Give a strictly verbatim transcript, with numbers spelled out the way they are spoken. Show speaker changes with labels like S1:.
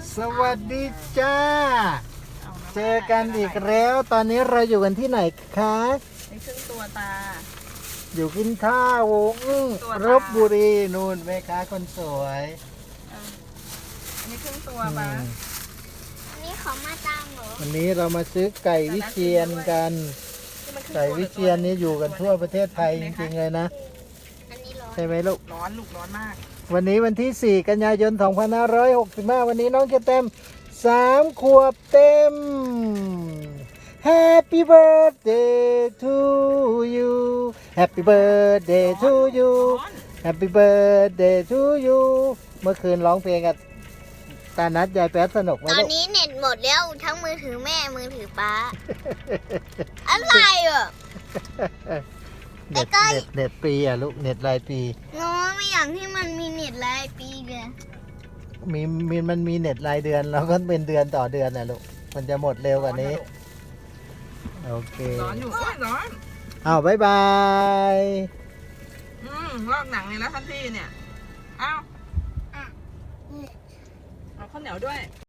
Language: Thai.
S1: สวัสดีจ้า เจอกันอีกแล้ว ตอนนี้เราอยู่กันที่ไหนคะ
S2: ในครึ่งตัวตา
S1: อยู่กินข้าวอื้อ
S2: ตัวตา
S1: รบบุรีนู่นแม่ค้าคนสวย
S2: อ่ะอันนี้ครึ่งตัว
S1: อื
S2: ปะ
S1: ม
S3: อันนี้ของมาตามเหรอ
S1: วันนี้เรามาซื้อไก่วิเชียนกัน
S2: ที่มันครึ่ง
S1: ไก่วิเชียนนี่อยู่กันทั่วประเทศไทยจริงๆเลยนะ
S3: อันนี้ร้อน
S1: ใช่ไหมลูก
S2: ร้อนลูกร้อนมาก
S1: วันนี้วันที่ สี่ กันยายน สองพันห้าร้อยหกสิบห้า วันนี้น้องจะเต็ม สาม ขวบเต็ม Happy birthday to you Happy birthday to you
S2: ร้อน
S1: Happy birthday to you เมื่อคืนร้องเพลงกับตานัดยายแป๊ดสนุกไหม
S3: ตอน
S1: ลูก
S3: นี้เน็ตหมดแล้วทั้งมือถือแม่มือถือป้า อะไรอ่ะ
S1: เน็ต
S3: ใกล้
S1: เน็ต
S3: ๆ
S1: เน็ตปีอ่ะลูก เน็ตรายปี
S3: น้องไม่อยากที่มันมีเน็ตรายปีเลย
S1: มีมีมันมีเน็ตรายเดือนแล้วก็เป็นเดือนต่อเดือนนะลูก มันจะหมดเร็วกว่านี้ โอเค
S2: ร้อนอยู่โอ้ยร้อน
S1: อ้าวบ๊ายบาย
S2: อืมลอกหนังเลยแล้วทันทีเนี่ย เอ้าเอาข้าวเหนียวด้วย